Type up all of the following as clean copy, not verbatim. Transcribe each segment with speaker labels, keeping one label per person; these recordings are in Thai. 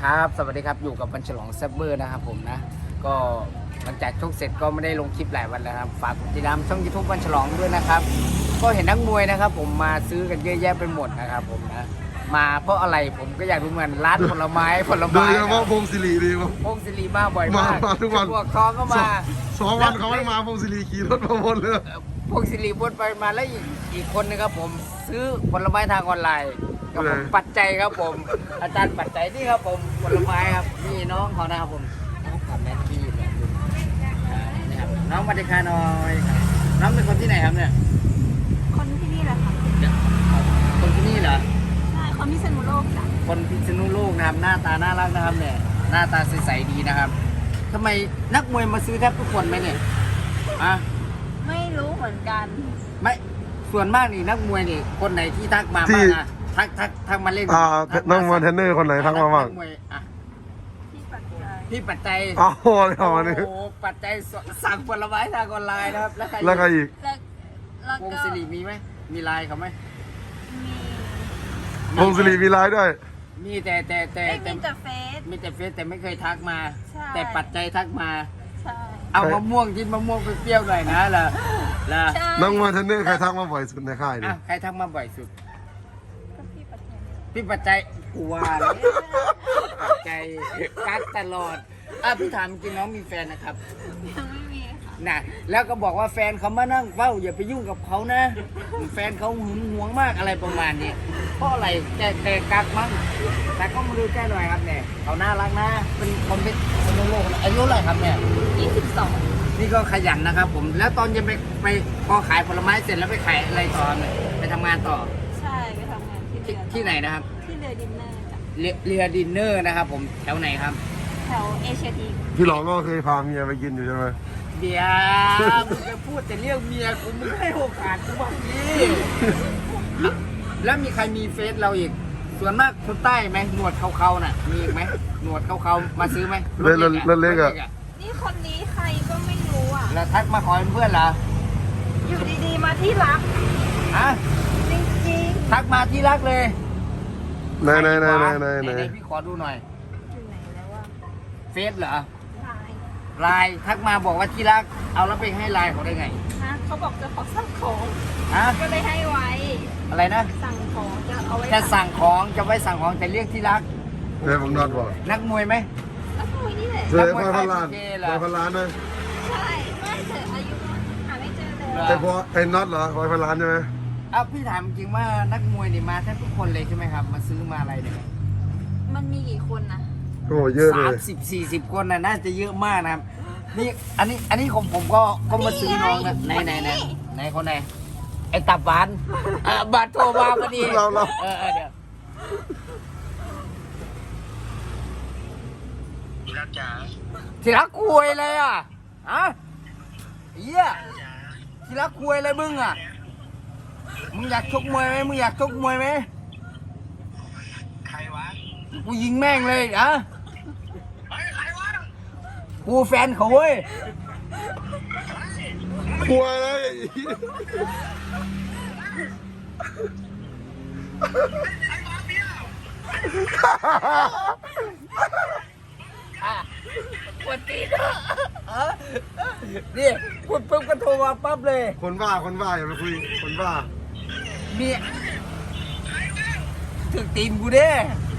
Speaker 1: ครับสวัสดีครับอยู่กับวันฉลองแซบเบอร์นะครับผมนะก็หลังจากชกเสร็จก็ไม่ได้ลงคลิปหลายวันแล้วครับฝากกดติดตามช่อง YouTube วันฉลองด้วยนะครับก็เห็นนักมวยนะครับผมมาซื้อกันเยอะแยะไปหมดนะครับผมนะมาเพราะอะไรผมก็อยากรู้เหมือนร้านผลไม้
Speaker 2: โดยเฉพาะพงศิริดีมั้ง
Speaker 1: พงศิริมาบ่อยมาก
Speaker 2: มาทุกวัน
Speaker 1: พวกท้องก็มา
Speaker 2: 2 วันเขาไม่มาพงศิริขี่รถมาวนเลย
Speaker 1: พงศิริวนไปมาแล้วอีกคนนึงครับผมซื้อผลไม้ทางออนไลน์กับผมปัจจัยครับผมอาจารย์ปัจจัยนี่ครับผมผลไม้ครับนี่น้องเขานะครับผมน้องกับแม่พี่เนี่ยนี่ครับน้องมาดิคาน้อยครับน้องเป็นคนที่ไหนครับเนี่ย
Speaker 3: คนที่นี่แหละค่ะ
Speaker 1: คนที่นี่เหรอ
Speaker 3: ใช่คนพิษณุโลกจ้ะ
Speaker 1: คนพิษณุโลกนะครับหน้าตาน่ารักนะครับเนี่ยหน้าตาใสๆดีนะครับทำไมนักมวยมาซื้อแทบทุกคนไหมเนี่ยอ่ะ
Speaker 3: ไม่รู้เหมือนกัน
Speaker 1: ไม่ส่วนมากนี่นักมวยนี่คนไหนที่ทักมาบ้างนะทักมาเล่น
Speaker 2: นั่งมาเทรนเนอร์คนไหนทักมาบ้าง
Speaker 1: นักมวยอ่ะ
Speaker 3: ที่ปัจจัย
Speaker 1: พี่ปัจจัย
Speaker 2: อ๋อเลยวันนี้
Speaker 1: โอ้โหปัจจัยสั่งผลไม้ทางออนไลน์นะครับแล้วใคร
Speaker 2: แล้วก็อีก
Speaker 3: แล้ว
Speaker 1: วง
Speaker 3: ก็
Speaker 1: ศิริมีไหมมีไลน์เขาไหม
Speaker 3: มี
Speaker 2: พงศิริมีไลน์ด้วย
Speaker 1: มีแต่
Speaker 3: ไม่มีแต่เฟซ
Speaker 1: มีแต่เฟซแต่ไม่เคยทักมา
Speaker 3: ใช่
Speaker 1: แต่ปัจจัยทักมา
Speaker 3: ใช่
Speaker 1: เอามะม่วงกินมะม่วงเปรี้ยวๆหน่อยนะล่ะ
Speaker 3: ใช่
Speaker 2: นั่งมาเทรนเนอร์ใครทักมาบ่อยสุดในค่าย
Speaker 1: อ่ะ
Speaker 2: นี่
Speaker 1: ใครทักมาบ่อยสุด
Speaker 3: ก็พี่ปัจจัย
Speaker 1: พี่ปัจจัยกลัวเลยปัจจัยกักตลอดพี่ถามจริงน้องมีแฟนนะครับ
Speaker 3: ยังไม่มีค่ะ
Speaker 1: น่ะแล้วก็บอกว่าแฟนเขามานั่งเฝ้าอย่าไปยุ่งกับเขานะแฟนเขาหึงหวงมากอะไรประมาณนี้เพราะอะไรแกกักมั้งแต่ก็มาดูแกหน่อยครับเนี่ยเขาน่ารักนะเป็นคนเป็นคนโลกอายุเท่าไหร่ครับเนี่ย
Speaker 3: 22
Speaker 1: นี่ก็ขยันนะครับผมแล้วตอนเย็นไปพอขายผลไม้เสร็จแล้วไปขายอะไรต่อเนี่ยไปทำงานต่อ
Speaker 3: ใช่ไปทำงานที่เรือ
Speaker 1: ที่ไหนนะครับ
Speaker 3: ที่เรือดินเนอร์จ้ะ
Speaker 1: เรือดินเนอร์นะครับผมแถวไหนครับ
Speaker 3: แถวเอเชียที
Speaker 2: พี่หลองก็เคยพาเมียไปกินอยู่ใช่ไหม
Speaker 1: เบียร์มึงจะพูดแต่เรื่องเมียกูมึงให้โอกาสกูบ้างดิแล้วมีใครมีเฟซเราอีก ส่วนมากคนใต้ไหมหนวดเขาๆน่ะ มีอีกไหมหนวดเขาๆมาซื้อไหม
Speaker 2: เล็กอะ
Speaker 3: นี่คนนี้ใครก็ไม่รู้อ่ะ
Speaker 1: แล้วทักมาขอเป็นเพื่อนเหรอ
Speaker 3: อยู่ดีๆมาที่รัก
Speaker 1: ฮะ
Speaker 3: จริง
Speaker 1: ทักมาที่รักเลย
Speaker 2: ไหน
Speaker 1: พี่ขอดูหน่อย
Speaker 3: ๆอยู่ไหนแล้วว่า
Speaker 1: เฟซเหรอ
Speaker 3: ไลน์
Speaker 1: ไลน์ทักมาบอกว่าที่รัก เอาแล้วไปให้ไลน์เขาได้ไง
Speaker 3: ฮะเขาบอกจะขอสั่งของ
Speaker 1: ฮะ
Speaker 3: ก็เลยให้ไว้
Speaker 1: อะไรนะ
Speaker 3: สั่งของจะเอาไว้
Speaker 1: จะสั่งของจะไว้สั่งของแต่เรียกที่รัก
Speaker 2: เดี๋ยวผมนอนบอก
Speaker 1: นักมวยไหม
Speaker 3: แล้วคุยนี่แหละ
Speaker 2: เจอคอยพันล้านคอยพันล้านนะ
Speaker 3: ใช่ไม่เจออายุหาไม่เจอเลย
Speaker 2: แต่พอไอ้น็อตเหรอคอยพันล้านใช่ไหม
Speaker 1: พี่ถามจริงว่านักมวยนี่มาแทบทุกคนเลยใช่ไหมครับ มาซื้อมาอะไรเนี่ย
Speaker 3: มันมีกี่คนนะ
Speaker 2: โอ้เยอะเล
Speaker 1: 30-40 คนน่าจะเยอะมากนะครับนี่อันนี้ของผมก็มาซื้อน้องนะไหนคนไหนไอ้ตับหวานบาทโทรมาพอดีเดี๋ยวที่รักคุยเลยอ่ะฮะเยี่ยที่รักคุยเลยมึงอ่ะมึงอยากชกมวยไหมมึงอยากชกมวยไหมใครวะกูยิงแม่งเลยอ่ะกูแฟนเขาเว้ย
Speaker 2: กลัวเลย
Speaker 1: ปวดตีนนี่พูดปุ๊บก็โทรมาปั๊บเลย
Speaker 2: คนบ้าอย่าไปคุยคนบ้า
Speaker 1: มีถึงตีนกูเด้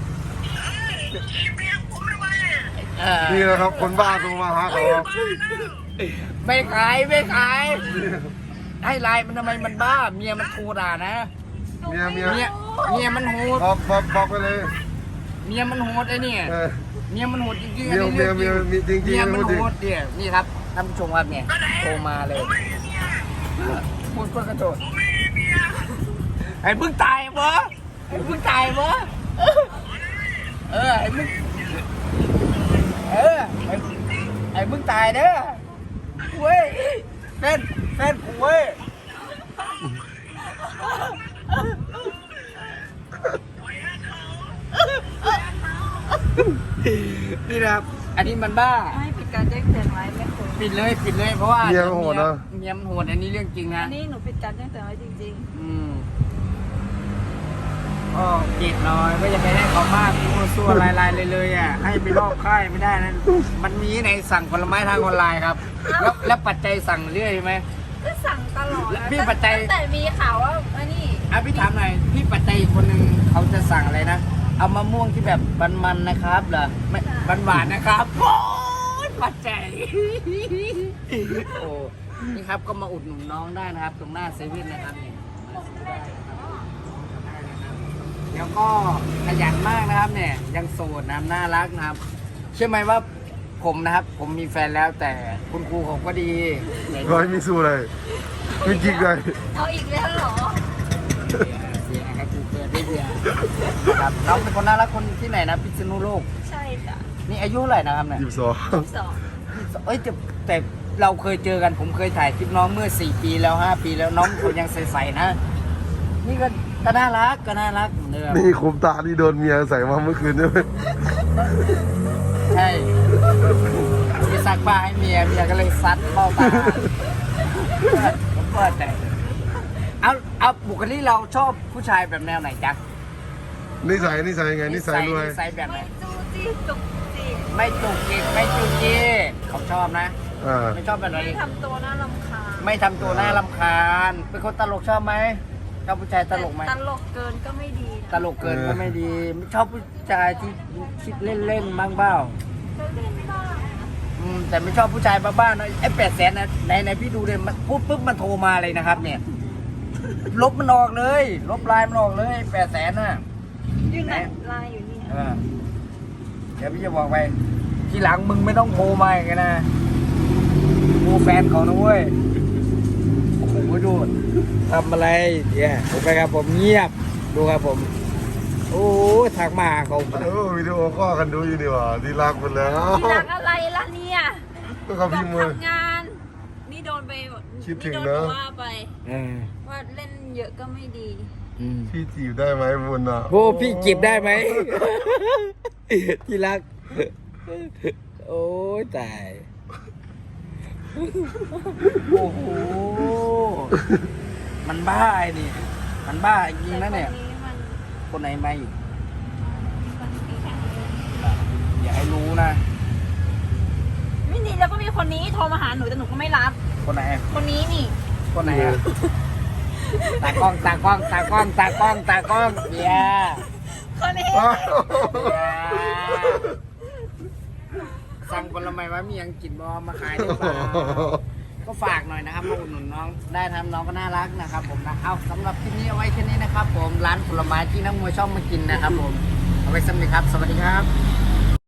Speaker 2: นี่นะครับคนบ้าโทรมาหาเขา
Speaker 1: ไม่ขายให้ไลน์มันทำไมมันบ้า เมียมันโทรด่านะ
Speaker 2: เมีย
Speaker 1: เมียมันโหด
Speaker 2: บอกไปเลย
Speaker 1: เมียมันโหดไอ้เนี่ย เมียมันโหดจริงๆ
Speaker 2: เมีย
Speaker 1: อันนี้เรื่องจริง
Speaker 2: จริง
Speaker 1: เมียมันโหดเนี่ยนี่ครับท่านผู้ชมครับเนี่ยโทรมาเลยพูดเพื่อกระโดดไอ้เพิ่งตายเหรอไอ้เพิ่งตายเหรอไอ้มึงไอ้มึงตายเด้อเว้ยแฟนกูเว้ยนี่นะครับอันนี้มันบ้า
Speaker 3: ไม่ปิดการแจ้งเตือนไว้ไม่ควร
Speaker 1: ปิดเลยเพราะว่า
Speaker 2: เมียมันโหดนะ
Speaker 1: เมียมันโหดอันนี้เรื่องจริงนะ
Speaker 3: อันนี้หนูปิดการแจ้งเตือนไว้จริง
Speaker 1: อืมก็เกียดน้อยก็จะไปให้เขามากมั่วซั่วลายๆเลยอ่ะให้ไปลอกค่ายไม่ได้นะมันมีในสั่งผลไม้ทางออนไลน์ครับแล้วปัจจัยสั่งเรื่อยไหม
Speaker 3: ก็สั่งตลอด
Speaker 1: พี่ปัจจัย
Speaker 3: ตั้งแต่มีข่าวว่าอันนี้
Speaker 1: พี่ถามหน่อยพี่ปัจจัยอีกคนหนึ่งเขาจะสั่งอะไรนะเอามะม่วงที่แบบมันๆนะครับเหรอไม่หวานๆนะครับโอ้ยปัจจัยโอ้นี่ครับก็มาอุดหนุนน้องได้นะครับ ตรงหน้าเซเว่นนะครับนี่มาซื้อได้นะครับแล้วก็ขยันมากนะครับเนี่ยยังโสดนะครับน่ารักนะครับเชื่อไหมว่าผมนะครับ ผมมีแฟนแล้วแต่คุณครูผมก็ดี
Speaker 2: ร้อยมิสูเลยมีกิ๊กเลย
Speaker 3: เอาอีกแล้วเหรอ
Speaker 1: เสียครับครูเกิดได้เสียครับน้องเป็นคนน่ารักคนที่ไหนนะพิษณุโลก
Speaker 3: ใช่จ้ะ
Speaker 1: นี่อายุเท่าไหร่นะครับเนี่ย
Speaker 3: สอง
Speaker 1: เอ้ยแต่เราเคยเจอกันผมเคยถ่ายคลิปน้องเมื่อ4 ปีแล้ว5 ปีแล้วน้องเขายังใสๆนะ นี่ก็น่ารักเหมือนเดิม
Speaker 2: นี่คุมตาที่โดนเมียใส่มาเมื่อคืนใช่ไหม
Speaker 1: ใช่มีซักผ้าให้เมียก็เลยซัดเข้าตาผมเปิดแต่เอาบุคลิกเราชอบผู้ชายแบบแนวไหนจ๊ะ
Speaker 2: นิสัยไงนิสัยรวย
Speaker 1: นิสัยแบบไหน
Speaker 3: ไม่จู้จี้จุกจิก
Speaker 1: ไม่จุกจิกไม่จุกจี้เขาชอบนะ
Speaker 2: อ่า
Speaker 1: ไม่ชอบแบบไหน
Speaker 3: ไม่ทำตัวน่ารำคาญ
Speaker 1: ไม่ทำตัวน่ารำคาญเป็นคนตลกชอบไหมชอบผู้ชายตลกไหม
Speaker 3: ตลกเกินก็ไม่ดี
Speaker 1: ตลกเกินก็ไม่ดีไม่ชอบผู้ชายที่คิดเล่นๆบ้างเปล่า
Speaker 3: ก็เล่นบ้าง
Speaker 1: แต่ไม่ชอบผู้ชายบ้าๆนะไอ้800,000นะในพี่ดูเลยมันพูดปุ๊บมันโทรมาเลยนะครับ เนี่ย ลบมันออกเลย ลบไลน์มันออกเลย800,000น่ะ
Speaker 3: อยู่ไหนไลน์อยู่นี่
Speaker 1: เดี๋ยวพี่จะบอกไปทีหลังมึงไม่ต้องโทรมาอย่างนั้นนะกูแฟนเขานะเว้ยโอ้โหดูทำอะไรเนี่ยโอเคครับผมเงียบดูครับผม โอ้ทักมาเขา
Speaker 2: วิดีโอข้อกันดูอยู่นี่หว่าดีรักหมดแล้ว
Speaker 3: ที่รักอะไรล่ะเนี่ย
Speaker 2: ก็เขาพิมพ์มือ
Speaker 3: ทำงาน นี่โดนไป
Speaker 2: คิดถึง
Speaker 3: โด
Speaker 2: นะ
Speaker 3: ว่าไป
Speaker 1: เออ
Speaker 3: ว่าเล่นเยอะก็ไม่ดี
Speaker 2: พี่จีบได้ไหมบุญอ่ะ
Speaker 1: โอ้พี่จีบได้ไหม ที่รัก โอ้ยตาย โอ้โห มันบ้าไอ้นี่ มันบ้าจริงนะเนี่ย
Speaker 3: แต่คนนี้มัน
Speaker 1: คนไหนมาอีก
Speaker 3: คนนี้แข็งแรง
Speaker 1: อย่าให้รู้นะ
Speaker 3: ไม่ดีแล้วก็มีคนนี้โทรมาหาหนูแต่หนูก็ไม่รับ
Speaker 1: คนไหน
Speaker 3: คนนี้นี่
Speaker 1: คนไหนอะตากล้องเบียร์
Speaker 3: คนนี้
Speaker 1: สั่งผลไม้ว่ามียังกินบอมาขายได้เปล่าก็ฝากหน่อยนะครับมาอุดหนุนน้องได้ทำน้องก็น่ารักนะครับผมนะเอาสำหรับคลิปนี้เอาไว้แค่นี้นะครับผมร้านผลไม้ที่นักมวยชอบมากินนะครับผมเอาไว้สำหรับครับสวัสดีครับ